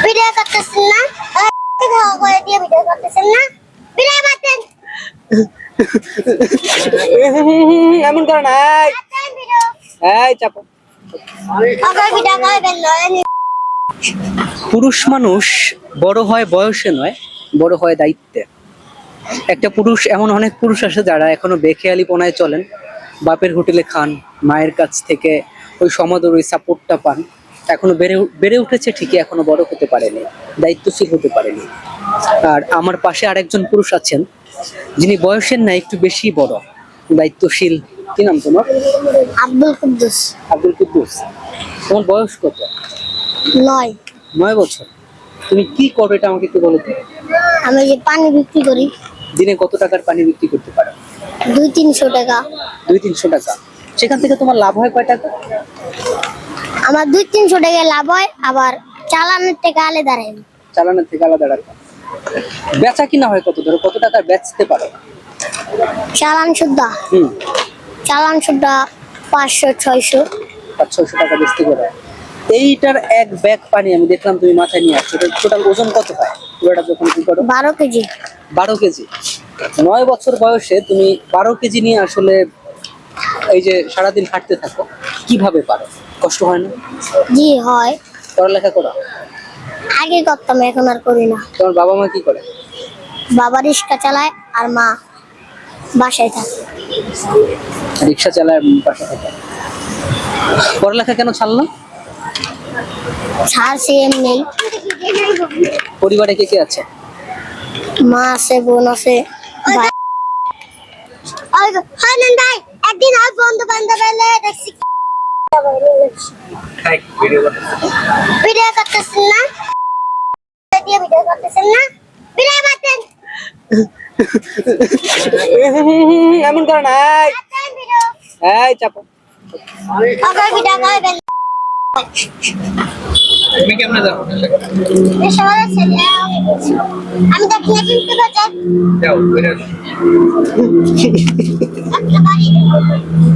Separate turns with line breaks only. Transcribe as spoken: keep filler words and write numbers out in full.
Video করতেছেন না? খাওয়া করে দিয়ে ভিডিও করতেছেন না? ভিডিও করতেন।
এমন করে নাই। এই চাপো।
আবার ভিডিও করবেন না।
পুরুষ মানুষ বড় হয় বয়সে নয়, বড় হয় দায়িত্বে। একটা পুরুষ, এমন অনেক পুরুষ আছে যারা এখনো বেখেয়ালিপনায় চলেন, বাপের হোটেলে খান, মায়ের কাছ থেকে ওই সমাদর, ওই সাপোর্টটা পান। এখনো বেড়ে বেড়ে উঠেছে ঠিকই, এখনো বড় হতে পারেনি, দায়িত্বশীল হতে পারেনি। আর আমার পাশে আরেকজন পুরুষ আছেন যিনি বয়সের না একটু বেশি বড়, দায়িত্বশীল। কি নাম তোমার?
আব্দুল কুদ্দুস।
আব্দুল কুদ্দুস। তোমার বয়স কত?
নয়।
নয় বছর। তুমি কি করো এটা আমাকে একটু বলো তো।
আমি যে পানি বিক্রি করি।
দিনে কত টাকার পানি বিক্রি করতে পারো?
দুই তিনশো টাকা।
দুই তিনশো টাকা। সেখান থেকে তোমার লাভ হয় কয় টাকা?
আমার দুই তিনশো টাকা লাভ হয়, আবার চালানোর টাকা আলাদা রাখে।
চালানোর থেকে আলাদা টাকা। বেচা কিনা হয় কত? ধরো কত টাকা বেচতে পারো?
চালান সুদ্ধা।
হুম।
চালান সুদ্ধা পাঁচশো ছয়শো।
পাঁচ ছয়শো টাকা বেচতে পারো। এইটার এক ব্যাগ পানি আমি দেখলাম তুমি মাথায় নিয়ে আসছো, টোটাল ওজন কত হয় পুরোটা যখন কি করো?
বারো কেজি।
বারো কেজি। নয় বছর বয়সে তুমি বারো কেজি নিয়ে আসলে এই যে সারাদিন হাঁটতে থাকো, কিভাবে পারো? কষ্ট হয় না?
জি হয়।
পড়ালেখা করো?
আগে করতাম, এখন আর করি না।
তোমার বাবা মা কি করে?
বাবা রিক্সা চালায় আর মা বাসায় থাকে।
রিক্সা চালায়, বাসা থাকে। পড়ালেখা কেন ছাড়লো?
ছাড়ছে এমনি।
পরিবারে কে কে আছে?
মা আছে, বোন আছে, ভাই। ওই গো, হানান ভাই, একদিন আর বন্ধু বান্ধব এলে দেখছি ভিডিও করতেছেন না? দিয়ে ভিডিও করতেছেন না? ভিডিও করতেন।
এমন করে নাই। এই চাপো।
আবার ভিডিও করবেন।
তুমি কেমনে যাও?
সবাই ছেলে আমি দেখি না কিন্তু বাজার
যাও, বেরো।
একটা বাড়ি